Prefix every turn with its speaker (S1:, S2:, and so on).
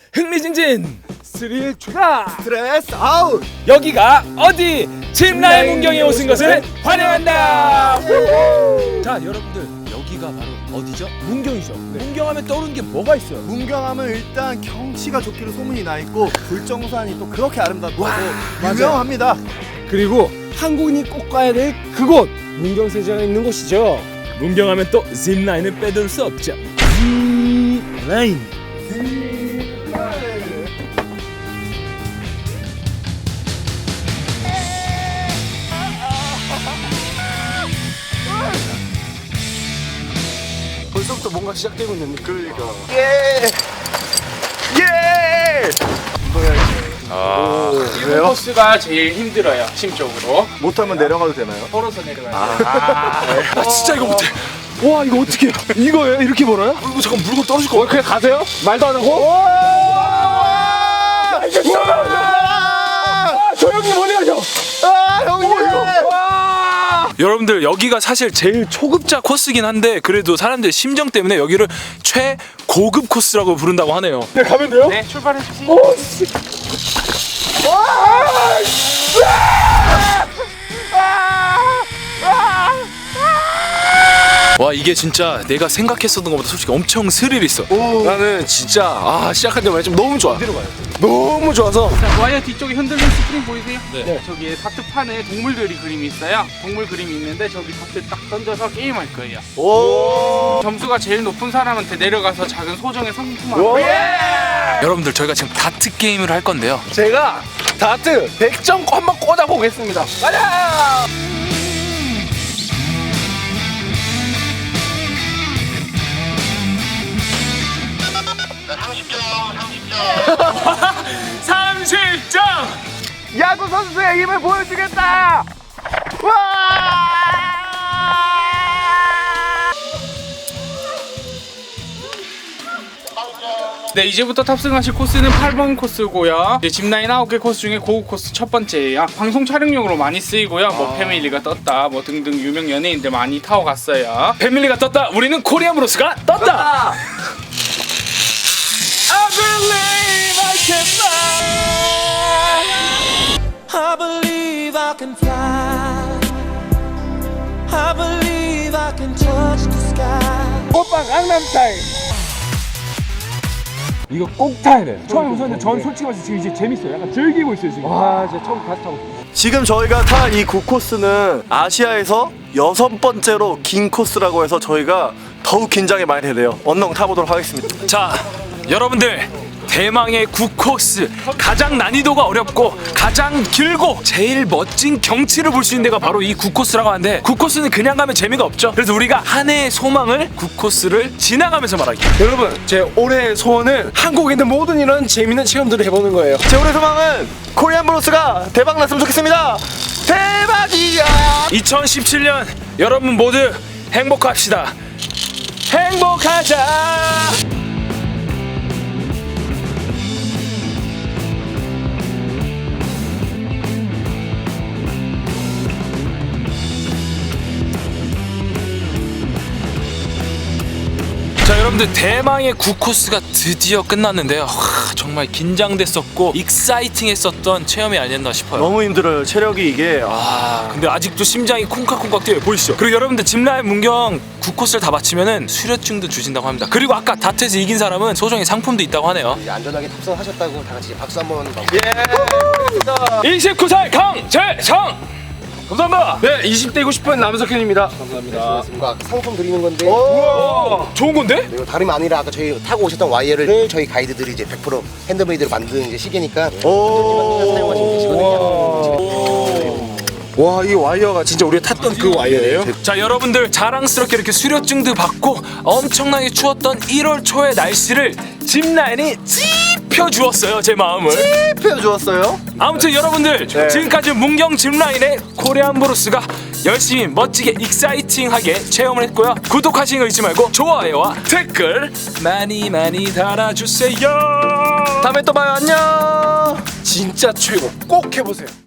S1: 흥미진진 스릴 추가
S2: 스트레스 아웃.
S1: 여기가 어디 짚라인 문경에 오신 것을 환영한다. 자 여러분들 여기가 바로 어디죠? 문경이죠. 문경하면 떠오르는 게 뭐가 있어요?
S2: 문경하면 일단 경치가 좋기로 소문이 나 있고 불정산이 또 그렇게 아름답다고
S1: 맞아요.
S2: 유명합니다.
S1: 그리고 한국인이 꼭 가야 될 그곳 문경세제가 있는 곳이죠. 문경하면 또 짚라인을 빼둘 수 없죠. 짚라인. 벌써부터 뭔가 시작되고 있는 느낌.
S2: 그러니까. 예.
S3: 일본 코스가 제일 힘들어요. 심적으로.
S2: 못하면 내려가도 되나요?
S3: 걸어서 내려가요.
S1: 아 진짜 이거 못해. 와 이거 어떻게 해요? 이거예요? 이렇게 벌어요? 이거 잠깐 물건 떨어질 거 같아. 그냥 가세요? 말도 안 하고? 조용히 보내야죠.
S2: 형님.
S4: 여러분들 여기가 사실 제일 초급자 코스긴 한데 그래도 사람들 심정 때문에 여기를 최고급 코스라고 부른다고 하네요.
S1: 네 가면 돼요?
S3: 네, 출발해 주세요.
S4: 와 이게 진짜 내가 생각했었던 것보다 솔직히 엄청 스릴 있어.
S1: 나는 진짜 시작할 때만 좀 너무 좋아. 너무 좋아서.
S3: 자, 와이어 뒤쪽에 흔들리는 스프링 보이세요? 네. 저기에 다트판에 동물들이 그림이 있어요. 동물 그림이 있는데 저기 다트 딱 던져서 게임할 거예요.
S2: 오.
S3: 점수가 제일 높은 사람한테 내려가서 작은 소정의 상품을.
S4: 여러분들 저희가 지금 다트 게임을 할 건데요.
S1: 제가 다트 100점 한번 꽂아 보겠습니다. 가자!
S2: 야구 선수의 힘을 보여주겠다. 와!
S3: 네, 이제부터 탑승하실 코스는 8번 코스고요. 이제 짚라인 9개 코스 중에 고급 코스 첫 번째예요. 방송 촬영용으로 많이 쓰이고요. 뭐 패밀리가 떴다, 뭐 등등 유명 연예인들 많이 타고 갔어요.
S4: 패밀리가 떴다. 우리는 코리안 브로스가 떴다. I believe I can fly.
S5: I believe I can fly. I believe I can touch the sky.
S1: 오빠 강남스타일. 이거 꼭 타야 돼. 처음 우선 전 솔직히 말해서 지금 이제 재밌어요. 약간 즐기고 있어요 지금. 와 진짜 처음 다시 타고 있어.
S2: 지금 저희가 탄 이 9코스는 아시아에서 6번째로 긴 코스라고 해서 저희가 더욱 긴장이 많이 되네요. 언능 타보도록 하겠습니다.
S4: 자 여러분들 대망의 9코스 가장 난이도가 어렵고 가장 길고 제일 멋진 경치를 볼 수 있는 데가 바로 이 9코스라고 하는데 9코스는 그냥 가면 재미가 없죠. 그래서 우리가 한 해의 소망을 9코스를 지나가면서 말하기.
S1: 여러분 제 올해의 소원은 한국에 있는 모든 이런 재밌는 체험들을 해보는 거예요.
S2: 제 올해 소망은 코리안 브로스가 대박 났으면 좋겠습니다. 대박이야!
S4: 2017년 여러분 모두 행복합시다. 행복하자. 자 여러분들 대망의 9코스가 드디어 끝났는데요. 정말 긴장됐었고 익사이팅했었던 체험이 아니었나 싶어요.
S2: 너무 힘들어요. 체력이 이게
S4: 근데 아직도 심장이 콩깍콩깍 뛰어요. 보이시죠? 그리고 여러분들 짚라인 문경 9코스를 다 마치면은 수료증도 주신다고 합니다. 그리고 아까 다트에서 이긴 사람은 소정의 상품도 있다고 하네요.
S6: 이제 안전하게 탑승하셨다고 다 같이 박수 한번
S4: 29살 강재성 감사합니다.
S1: 네 20대고 싶은 남석현입니다. 감사합니다.
S6: 뭔가 상품 드리는 건데
S4: 좋은 건데?
S6: 이거 다름이 아니라 아까 저희 타고 오셨던 와이어를 저희 가이드들이 이제 100% 핸드메이드로 만든 이제 시계니까 사용하시면 되시거든요.
S1: 와 이 와이어가 진짜 우리가 탔던 그 와이어예요?
S4: 자 여러분들 자랑스럽게 이렇게 수료증도 받고 엄청나게 추웠던 1월 초의 날씨를 짚라인이 찝혀주었어요. 제 마음을
S2: 펴주었어요.
S4: 아무튼 여러분들 지금까지 문경 짚라인의 코리안 브로스가 열심히 멋지게 익사이팅하게 체험을 했고요. 구독하시는 거 잊지 말고 좋아요와 댓글 많이 많이 달아주세요.
S1: 다음에 또 봐요. 안녕. 진짜 최고. 꼭 해보세요.